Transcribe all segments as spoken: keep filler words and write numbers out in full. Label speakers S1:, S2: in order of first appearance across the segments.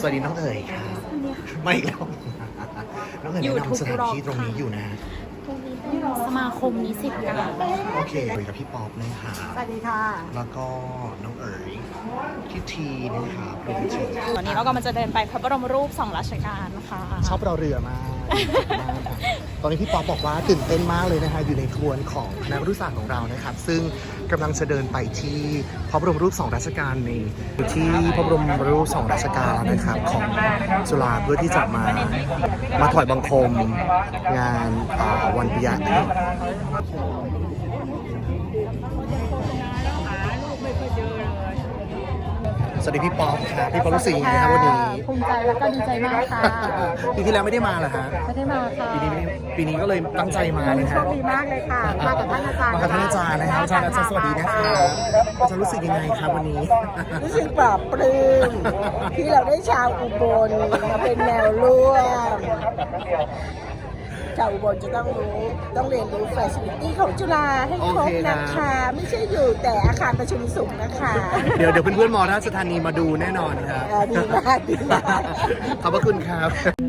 S1: วัสดีน้องเอ๋ยค่ะไม่อีกแล้วน้องเอ๋ยแนะนำสถานที่ตรงนี้อยู่นะ
S2: ตรงนี้เป็นสมาคมนิสิตเก่า
S1: โอเคคุยกับพี่ป๊อปนะคะ
S3: สวัสดีค่ะ
S1: แล้วก็น้องเอ๋ยพี่ทีนะคะเป็นที
S2: ตอนนี้เราก็มันจะเดินไปพระบรมรูปสองรัชกาลนะคะ
S1: ชอบเราเรือมากตอนนี้พี่ป๊อปบอกว่าตื่นเต้นมากเลยนะคะอยู่ในทวนของคณะครุศาสตร์ของเรานะครับซึ่งกำลังจะเดินไปที่พระบรมรูปสองรัชกาลในที่พระบรมรูปสองรัชกาลนะครับของจุฬาเพื่อที่จะมามาถวายบังคมงานวันปิยะสวัสดีพี่ป๊อปค่ะพี่ป๊อปรู้สึกยังไงครับวันนี้
S3: ภูมิใจแล้วก็ดีใจมากค่ะ
S1: ปีที่แล้วไม่ได้มาเหรอฮะ
S3: ไม่ได้มาค่ะ
S1: ปีนี้ปีนี้ก็เลยตั้งใจมาเลยครับ
S3: โชคดีมากเลยค่ะมากับท่านอาจารย์
S1: มากับท่านอาจารย์นะครับอาจารย์อาจารย์สวัสดีนะครับอาจารย์รู้สึกยังไงครับวันนี้
S3: รู้สึกปลอบปลื้มที่เราได้ชาวอุบลมาเป็นแนวร่วมชาวอุบลจะต้องรู้ต้องเรียนรู้แฟชั่นตี้ของจุฬาให้ครบนะคะไม่ใช่อยู่แต่อาคารประชุมสูงนะคะ
S1: เดี๋ยวเดี๋ยวเพื่อนๆมอราชธานีมาดูแน่นอนครับ
S3: ดีมากดีมาก
S1: ขอบพระคุณครับ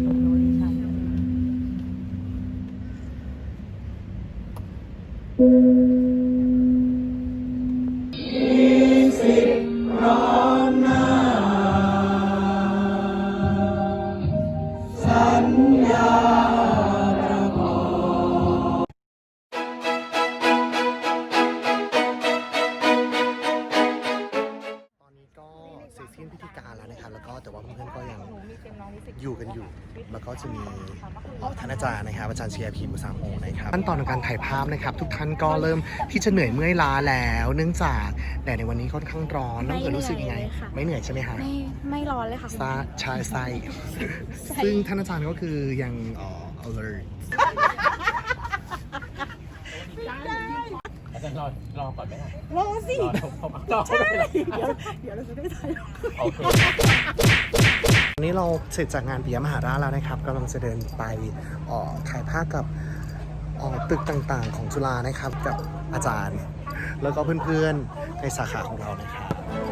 S1: พิธีการแล้วนะครับแล้วก็แต่ว่าเพื่อนๆก็ยังอยู่กันอยู่แล้วก็จะมีท่านอาจารย์นะครับอาจารย์เชียร์พีมุสามโอนะครับขั้นตอนของการถ่ายภาพนะครับทุกท่านก็เริ่มที่จะเหนื่อยเมื่อยล้าแล้วเนื่องจากแดดในวันนี้ค่อนข้างร้อนน้องเอ๋ยรู้สึกยังไงไม่เหนื่อยใช่ไหมคะ
S2: ไม่ไม่ร้อนเลยค่ะ
S1: ซาชายไซซึ่งท่านอาจารย์ก็คือยังเอ่อ alert
S4: อาจารย์รอรอก่อนไหมล่ะ
S3: รอสิ
S4: รอ
S3: ใช่เดี๋ยวเดี๋ยวเราจะได้ถ่าย
S4: โอเค
S1: วันนี้เราเสร็จจากงานปิยมหาราชแล้วนะครับกำลังจะเดินไปถ่ายภาพกับตึกต่างๆของจุฬานะครับกับอาจารย์แล้วก็เพื่อนๆในสาขาของเรานะครับ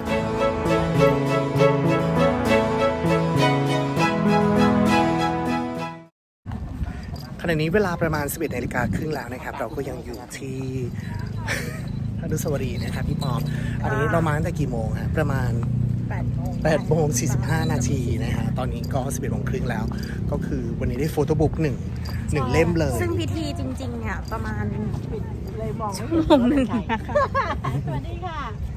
S1: ขณะนี้เวลาประมาณ สิบเอ็ดนาฬิกาครึ่งแล้วนะครับเราก็ยังอยู่ที่อนุสาวรีย์นะครับพี่ปอมอันนี้เรามาตั้งแต่กี่โมงฮะประมาณแปดโมงสี่สิบห้านาทีนะฮะตอนนี้ก็สิบเอ็ดโมงครึ่งแล้วก็คือวันนี้ได้โฟโต้บุ๊กหนึ่งหนึ่งเล่มเลย
S2: ซึ่งพิธีจริงๆเนี่ยประมาณ
S3: เลยมอง
S2: ชั่วโมงหนึ่งนะคะ
S3: สวัสดีค่ะ